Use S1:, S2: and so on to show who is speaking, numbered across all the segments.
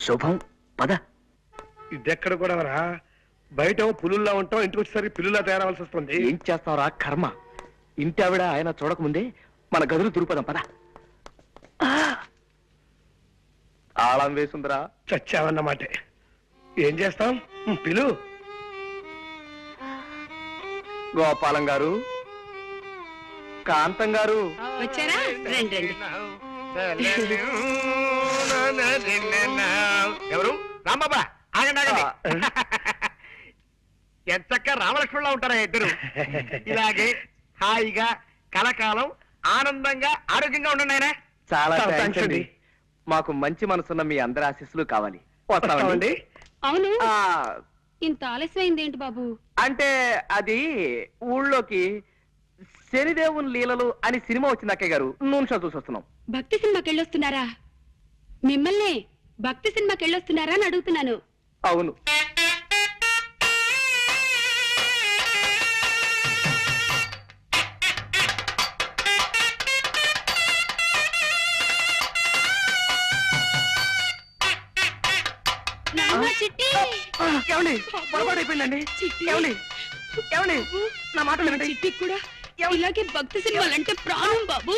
S1: శుభం. పద.
S2: ఇదెక్కడ కూడా రా, బయట పులుల్లా ఉంటాం, ఇంటికి వచ్చేసరికి పిల్లులా తయారవలసి వస్తుంది.
S1: ఏం చేస్తావురా కర్మ. ఇంటి ఆవిడ ఆయన చూడకముందే మన గదులు దురుపదాం. పద. తాళం వేసుందిరా.
S2: చచ్చావన్నమాట. ఏం చేస్తాం, పిలు.
S1: గోపాలం గారు, కాంతం గారు
S3: వచ్చారా? రండి రండి.
S2: ఎవరు? రాంబాబా, ఆగండి ఆగండి. ఎంతక్క రామలక్ష్మణులా ఉంటారా ఇద్దరు. ఇలాగే హాయిగా కలకాలం ఆనందంగా ఆరోగ్యంగా ఉండండి ఆయన.
S1: చాలా థాంక్స్ అండి. మాకు మంచి మనసున్న మీ అందరి ఆశీస్సులు కావాలి. వస్తామండి.
S3: అవును, ఇంత ఆలస్యమైంది ఏంటి బాబు?
S1: అంటే అది ఊళ్ళోకి శనిదేవుని లీలలు అని సినిమా వచ్చింది అక్కయ్య గారు, నూనె షో చూసి వస్తున్నాం.
S3: భక్తి సినిమాకి వెళ్ళొస్తున్నారా? మిమ్మల్ని భక్తి సినిమాకి వెళ్ళొస్తున్నారా అని అడుగుతున్నాను.
S1: అవును. ఏమండి, పొరపాటైపోయిందండి. ఏమండి, ఏమండి, నా మాట వినండి.
S3: చిట్టి కూడా ఇలాగే భక్తి సినిమాలంటే ప్రాణం బాబు.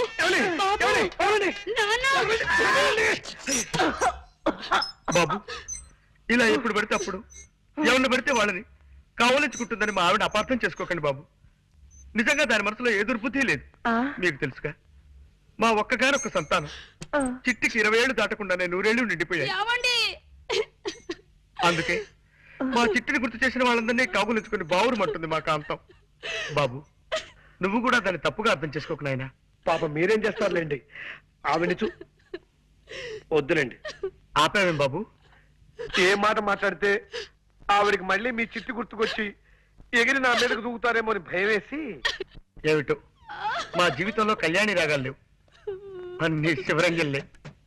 S2: బాబు, ఇలా ఎప్పుడు పడితే అప్పుడు ఎవరిని పడితే వాళ్ళని కావలించుకుంటుందని మా ఆవిడ అపార్థం చేసుకోకండి బాబు. నిజంగా దాని మనసులో ఏ దుర్బుద్ధి లేదు. మీకు తెలుసుగా, మా ఒక్కగానొక్క సంతానం చిట్టికి 20 ఏళ్ళు దాటకుండానే 100 ఏళ్ళు నిండిపోయాయి. అందుకే మా చిట్టిని గుర్తు చేసిన వాళ్ళందరినీ కాగులించుకుని బావురుమంటుంది మా కాంతం. బాబు, నువ్వు కూడా దాన్ని తప్పుగా అర్థం చేసుకోకు నాయనా. పాప మీరేం చేస్తారులేండి, ఆవిడ వద్దులేండి. ఆపావేం బాబు? ఏ మాట మాట్లాడితే ఆవిడికి మళ్ళీ మీ చిట్టి గుర్తుకొచ్చి ఎగిరి నా మీదకు దూకుతారేమో అని భయం వేసి. ఏమిటో మా జీవితంలో కళ్యాణి రాగాలు లేవు, అన్ని శివరంజన్లే.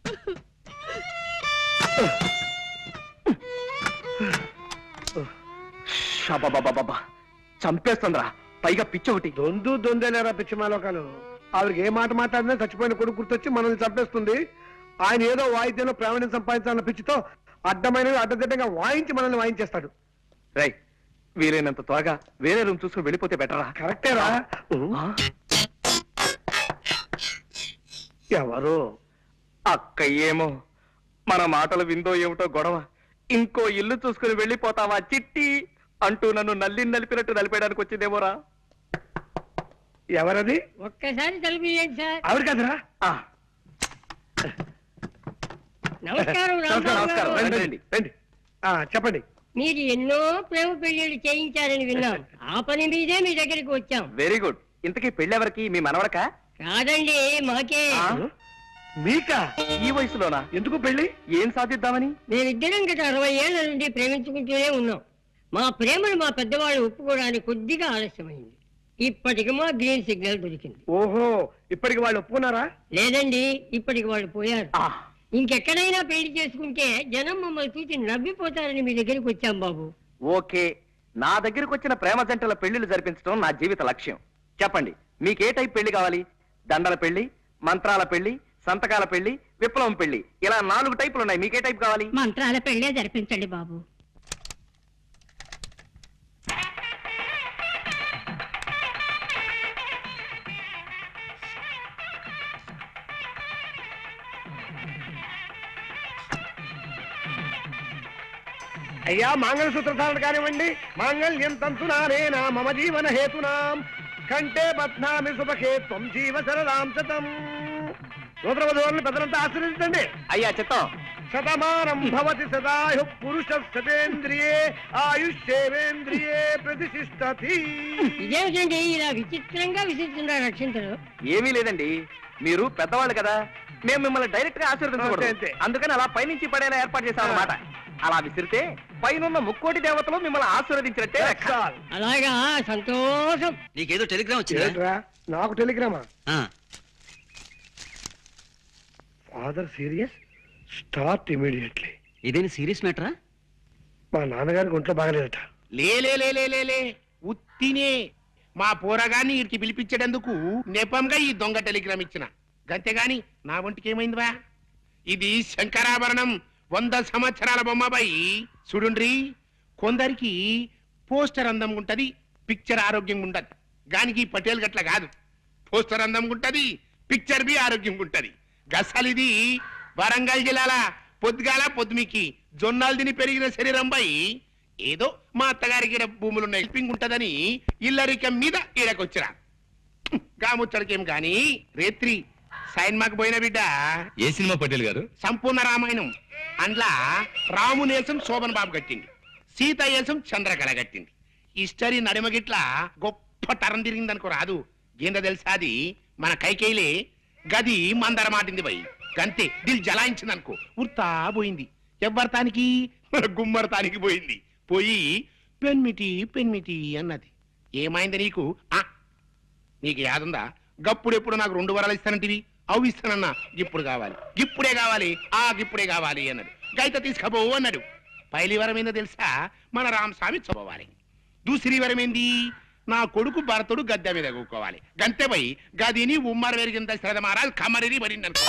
S1: చంపేస్తుందిరా, పైగా పిచ్చి ఒకటి.
S2: దొందేలేరా పిచ్చి మాలోకాలు. ఆవిడకి ఏ మాట మాట్లాడినా చచ్చిపోయిన కొడుకు గుర్తొచ్చి మనల్ని చంపేస్తుంది. ఆయన ఏదో వాయిద్యంలో ప్రావీణ్యం సంపాదించాలన్న పిచ్చితో అడ్డమైనవి అడ్డదిడ్డంగా వాయించి మనల్ని వాయించేస్తాడు.
S1: రై, వీలైనంత త్వరగా వేరే రూమ్ చూసుకుని వెళ్ళిపోతే బెటరా?
S2: కరెక్టేరా. ఎవరు?
S1: అక్క ఏమో, మన మాటలు విందో ఏమిటో గొడవ. ఇంకో ఇల్లు చూసుకుని వెళ్ళిపోతావా చిట్టి అంటూ నన్ను నలిపినట్టు నలిపేయడానికి వచ్చిందేమోరా.
S2: ఎవరది?
S4: ఒక్కసారి తలుపుయండి సార్.
S2: ఆవిడ కదరా?
S4: నమస్కారం.
S1: నమస్కారం. రండి.
S2: చెప్పండి.
S4: మీరు ఎన్నో ప్రేమ పెళ్లిళ్ళు చేయించారని విన్నాం. ఆ పని మీదే మీ దగ్గరికి వచ్చాం.
S1: Very good. ఇంతకీ పెళ్ళెవరికి? మీ మనవడకా?
S4: కాదండి, మాకే.
S2: మీకా?
S1: ఈ వయసులోనా?
S2: ఎందుకు పెళ్లి?
S1: ఏం సాధిద్దామని?
S4: మేమిద్దరం గత 60 ఏళ్ల నుండి ప్రేమించుకుంటూనే ఉన్నాం. మా ప్రేమను మా పెద్దవాళ్ళు ఒప్పుకోవడానికి కొద్దిగా ఆలస్యమైంది. ఇప్పటికి మా గ్రీన్ సిగ్నల్ దొరికింది.
S2: ఓహో, ఇప్పటికి వాళ్ళు ఒప్పుకున్నారా?
S4: లేదండి, ఇప్పటికి వాళ్ళు పోయారు. ఇంకెక్కడైనా పెళ్లి చేసుకుంటే జనం మమ్మల్ని చూసి నవ్విపోతారని మీ దగ్గరికి వచ్చాం బాబు.
S1: ఓకే, నా దగ్గరకు వచ్చిన ప్రేమ జంటల పెళ్లిళ్ళు జరిపించడం నా జీవిత లక్ష్యం. చెప్పండి, మీకే టైప్ పెళ్లి కావాలి? దండల పెళ్లి, మంత్రాల పెళ్లి, సంతకాల పెళ్లి, విప్లవం పెళ్లి, ఇలా 4 టైపులు ఉన్నాయి. మీకే టైప్ కావాలి?
S3: మంత్రాల పెళ్లే జరిపించండి బాబు.
S2: అయ్యా, మంగళసూత్రధారణ కానివ్వండి. మాంగళ్యం తంతునానేనా మమ జీవన హేతునాం కంటే బధ్నామి శుభకే త్వం జీవ శరదాం శతం. సూత్రవధువులను పెద్దలంతా ఆశీర్వదించండి.
S1: అయ్యా చిత్తం.
S2: శతమానం భవతి సదాయు పురుష శతేంద్రియే ఆయుష్యేవేంద్రియే ప్రతిష్ఠతి.
S4: ఇదేమిటండి ఇలా విచిత్రంగా విసిస్తున్నారు రక్షించరు?
S1: ఏమీ లేదండి, మీరు పెద్దవాళ్ళు కదా, మేము మిమ్మల్ని డైరెక్ట్ గా ఆశీర్వదించకూడదు. అందుకని అలా పైనుంచి పడేలా ఏర్పాటు చేశాం అన్నమాట. అలా విసిరితే పైనున్న ముక్కోటి దేవతలు మిమ్మల్ని ఆశీర్వదించినట్టే.
S4: అలాగా, సంతోషం.
S5: నీకేదో టెలిగ్రామ్ వచ్చిందా?
S2: నాకు టెలిగ్రామా? Father serious, start immediately.
S5: ఇదేని సీరియస్ మ్యాటరా?
S2: మా నాన్నగారికి ఒంట్లో బాగలేదట.
S6: లే ఉత్తినే మా పోరగాన్ని వీరికి పిలిపించేటందుకు నెపంగా ఈ దొంగ టెలిగ్రామ్ ఇచ్చిన. గంతేగాని నా ఒంటికి ఏమైందివా? ఇది శంకరాభరణం, 100 సంవత్సరాల బొమ్మపై చూడుండ్రి. కొందరికి పోస్టర్ అందంగా ఉంటది, పిక్చర్ ఆరోగ్యంగా ఉండదు. గానికి పటేల్ గట్ల కాదు. పోస్టర్ అందంగా ఉంటది, పిక్చర్ బి ఆరోగ్యంగా ఉంటది. గసలిది వరంగల్ జిల్లాల పొద్దుగాల పొద్దుమికి జొన్నాలు తిని పెరిగిన శరీరంపై ఏదో మా అత్తగారికి ఈడ భూములున్న హెల్పింగ్ ఉంటదని ఇల్లరికం మీద ఈడకొచ్చిరా. గాముచ్చడికేం గాని రేత్రి సైన్మాకు పోయిన బిడ్డ
S7: ఏ సినిమా పటేల్ గారు?
S6: సంపూర్ణ రామాయణం. అందులో రామునేసం శోభన్ బాబు కట్టింది, సీత ఏసం చంద్రకళ కట్టింది. హిస్టరీ నడిమగిట్ల గొప్ప తరం తిరిగింది అనుకో రాదు. ఏందో తెలుసా, అది మన కైకేయిలే గది మందర మాటింది పోయి గంతే దిల్ జలాయించింది అనుకో, ఉర్తా పోయింది. ఎవ్వరతానికి మన గుమ్మరతానికి పోయింది. పోయి పెన్మిటి పెన్మిటి అన్నది. ఏమైంది నీకు? నీకు యాదుందా? గప్పుడెప్పుడు నాకు 2 వరాలు ఇస్తానంటివి, అవి ఇస్తానన్నా. ఇప్పుడు కావాలి, ఇప్పుడే కావాలి, ఇప్పుడే కావాలి అన్నాడు. గైత తీసుకపోవు అన్నాడు. పైలి వరం ఏందో తెలుసా, మన రామస్వామి చదవాలి. దూసరి వరం ఏంది, నా కొడుకు భరతుడు గద్దె మీద కూకోవాలి. గంతే పోయి గదిని ఉమ్మర వెరిగిన శ్రద్ధ మారాలి, కమరిని పడింది అనుకో.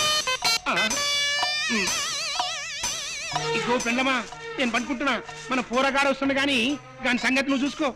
S6: ఇగో పెండమా, నేను పనుకుంటున్నా. మన పోరగాడు వస్తుంది గాని దాని సంగతి నువ్వు చూసుకో.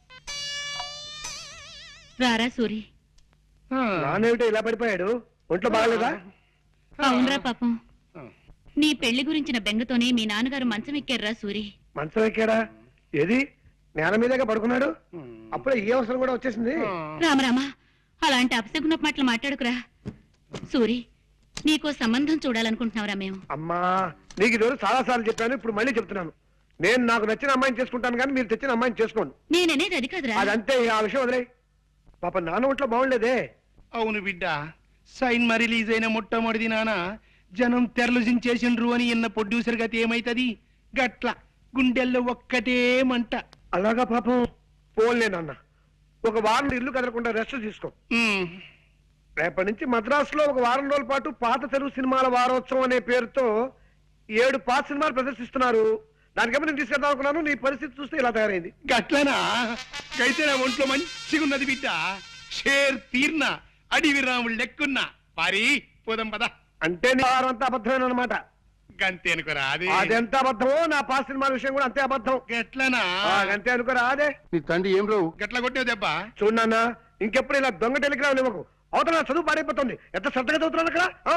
S3: రారా సూరి.
S2: నానేమిటో ఇలా పడిపోయాడు, ఒంట్లో బాగలేదా?
S3: అవునరా పాపం, నీ పెళ్లి గురించిన బెంగతోనే మీ నాన్నగారు మంచం ఎక్కారురా సూరి.
S2: మంచం ఎక్కాడా? ఏది నేల మీదగా పడుకున్నాడు? అప్పుడే ఈ అవసరం కూడా వచ్చేసింది.
S3: రామరామా, అలాంటి అపశకున మాటలు మాట్లాడుకురా. సూరి, నీకో సంబంధం చూడాలనుకుంటున్నావురా మేము.
S2: అమ్మా, నీకు ఈరోజు చాలా సార్లు చెప్పాను, ఇప్పుడు మళ్ళీ చెప్తున్నాను. నేను నాకు నచ్చిన అమ్మాయిని చేసుకుంటాను కానీ మీరు తెచ్చిన అమ్మాయిని చేసుకోండి.
S3: నేననేది అది కాదురా.
S2: అదంతే, ఆ విషయం వదిలే. పాప నాన్న ఒంట్లో బాగుండలేదే.
S6: అవును బిడ్డ, సైన్మా రిలీజ్ అయిన మొట్టమొదటి నాన్న జనం తెరలుజించేసిండ్రు అని ఇన్న ప్రొడ్యూసర్ గతి ఏమైతది? గట్ల గుండెల్లో ఒక్కటే మంట.
S2: అలాగా పాపం. పోన్లే నాన్న, ఒక వారం ఇల్లు కదలకుండా రెస్ట్ తీసుకో. రేపటి నుంచి మద్రాసులో ఒక వారం రోజుల పాటు పాత తెలుగు సినిమాల వారోత్సవం అనే పేరుతో 7 పాత సినిమాలు ప్రదర్శిస్తున్నారు. దానికేమో నేను తీసుకెళ్దాం అనుకున్నాను, నీ పరిస్థితి చూస్తే ఇలా తయారైంది.
S6: గట్లనా? అయితే నా ఒంట్లో మంచిగా ఉన్నది బిడ్డ. షేర్ తీర్న అడివి రాముడు లెక్కున్నా. పారి పోదాం పద.
S2: అంటే నీ వారం అంతా అబద్ధమైన అనమాట.
S6: గంతే అనుకోరా? అది
S2: అదెంత అబద్ధమో నా పాత సినిమాల విషయం కూడా అంతే అబద్ధం.
S6: గట్లనా?
S2: అంతే అనుకోరా? అదే
S6: నీ తండ్రి ఏం రావు గట్ల కొట్టావు దెబ్బ.
S2: చూడన్నా, ఇంకెప్పుడు ఇలా దొంగ టెలిగ్రామ్ ఇవ్వకు. అవతల చదువు పాడైపోతుంది. ఎంత శ్రద్ధగా చదువుతున్నాను అక్కడ.